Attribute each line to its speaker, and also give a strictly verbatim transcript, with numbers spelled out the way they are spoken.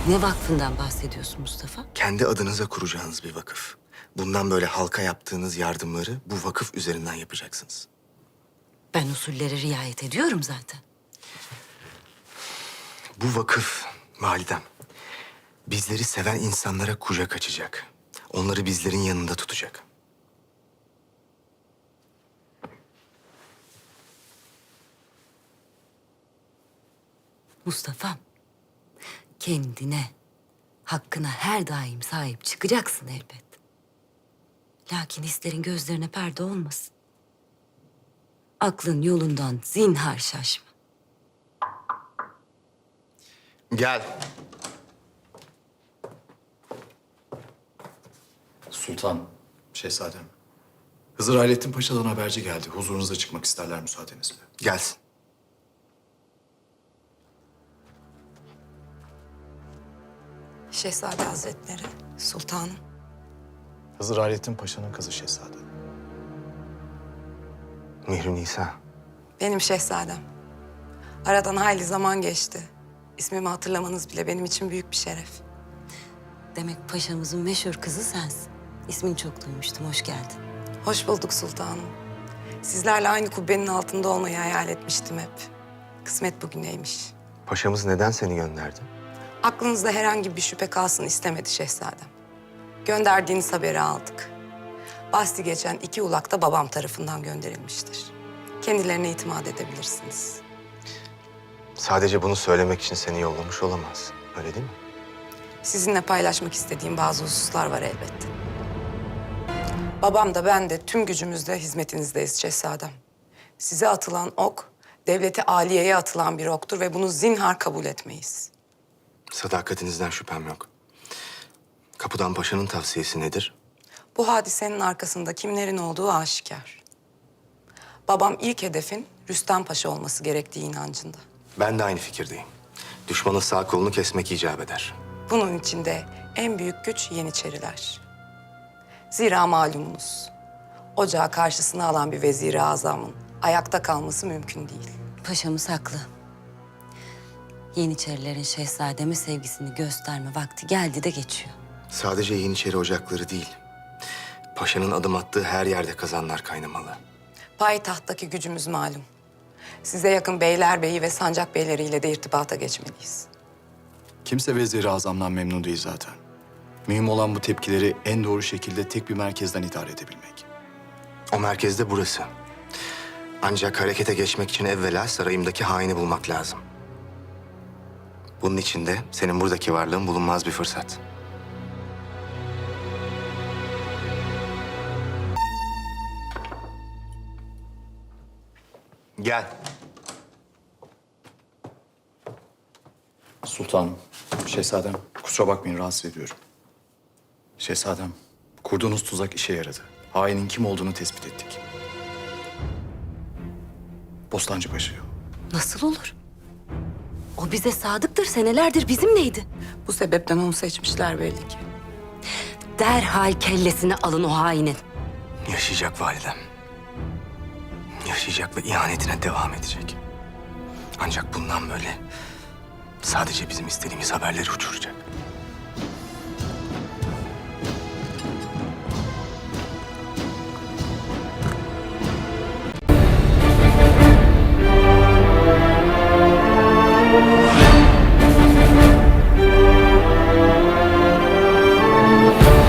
Speaker 1: Ne vakfından bahsediyorsun Mustafa?
Speaker 2: Kendi adınıza kuracağınız bir vakıf. Bundan böyle halka yaptığınız yardımları bu vakıf üzerinden yapacaksınız.
Speaker 1: Ben usullere riayet ediyorum zaten.
Speaker 2: Bu vakıf, validem, bizleri seven insanlara kucak açacak. Onları bizlerin yanında tutacak.
Speaker 1: Mustafa'm, kendine, hakkına her daim sahip çıkacaksın elbet. Lakin hislerin gözlerine perde olmasın. Aklın yolundan zinhar şaşma.
Speaker 2: Gel.
Speaker 3: Sultan, şehzadem. Hızır Hayrettin Paşa'dan haberci geldi. Huzurunuza çıkmak isterler müsaadenizle.
Speaker 2: Gelsin.
Speaker 4: Şehzade Hazretleri, sultanım.
Speaker 3: Hızır Hayrettin Paşa'nın kızı şehzadem.
Speaker 2: Mihri Nisa.
Speaker 4: Benim şehzadem. Aradan hayli zaman geçti. İsmimi hatırlamanız bile benim için büyük bir şeref.
Speaker 1: Demek paşamızın meşhur kızı sensin. İsmini çok duymuştum, hoş geldin.
Speaker 4: Hoş bulduk sultanım. Sizlerle aynı kubbenin altında olmayı hayal etmiştim hep. Kısmet bugüneymiş.
Speaker 2: Paşamız neden seni gönderdi?
Speaker 4: Aklınızda herhangi bir şüphe kalsın istemedi şehzadem. Gönderdiğiniz haberi aldık. Bahsi geçen iki ulak da babam tarafından gönderilmiştir. Kendilerine itimat edebilirsiniz.
Speaker 2: Sadece bunu söylemek için seni yollamış olamaz. Öyle değil mi?
Speaker 4: Sizinle paylaşmak istediğim bazı hususlar var elbette. Babam da ben de tüm gücümüzle hizmetinizdeyiz şehzadem. Size atılan ok, devleti aliyeye atılan bir oktur ve bunu zinhar kabul etmeyiz.
Speaker 2: Sadakatinizden şüphem yok. Kapıdan Paşa'nın tavsiyesi nedir?
Speaker 4: Bu hadisenin arkasında kimlerin olduğu aşikar. Babam ilk hedefin Rüstem Paşa olması gerektiği inancında.
Speaker 2: Ben de aynı fikirdeyim. Düşmanın sağ kolunu kesmek icap eder.
Speaker 4: Bunun içinde en büyük güç Yeniçeriler. Zira malumunuz, ocağı karşısına alan bir vezir-i azamın ayakta kalması mümkün değil.
Speaker 1: Paşamız haklı. Yeniçerilerin şehzademe sevgisini gösterme vakti geldi de geçiyor.
Speaker 2: Sadece Yeniçeri ocakları değil, Paşa'nın adım attığı her yerde kazanlar kaynamalı.
Speaker 4: Payitahttaki gücümüz malum. Size yakın beylerbeyi ve sancak beyleriyle de irtibata geçmeliyiz.
Speaker 3: Kimse Vezir-i Azam'dan memnun değil zaten. Mühim olan bu tepkileri en doğru şekilde tek bir merkezden idare edebilmek.
Speaker 2: O merkezde burası. Ancak harekete geçmek için evvela sarayımdaki haini bulmak lazım. Bunun için de senin buradaki varlığın bulunmaz bir fırsat. Gel.
Speaker 3: Sultanım, şehzadem, kusura bakmayın rahatsız ediyorum. Şehzadem, kurduğunuz tuzak işe yaradı. Hainin kim olduğunu tespit ettik. Bostancı Paşa'yı.
Speaker 1: Nasıl olur? O bize sadıktır, senelerdir bizimleydi.
Speaker 4: Bu sebepten onu seçmişler belli ki.
Speaker 1: Derhal kellesini alın o hainin.
Speaker 2: Yaşayacak validem. Yaşayacak ve ihanetine devam edecek. Ancak bundan böyle sadece bizim istediğimiz haberleri uçuracak.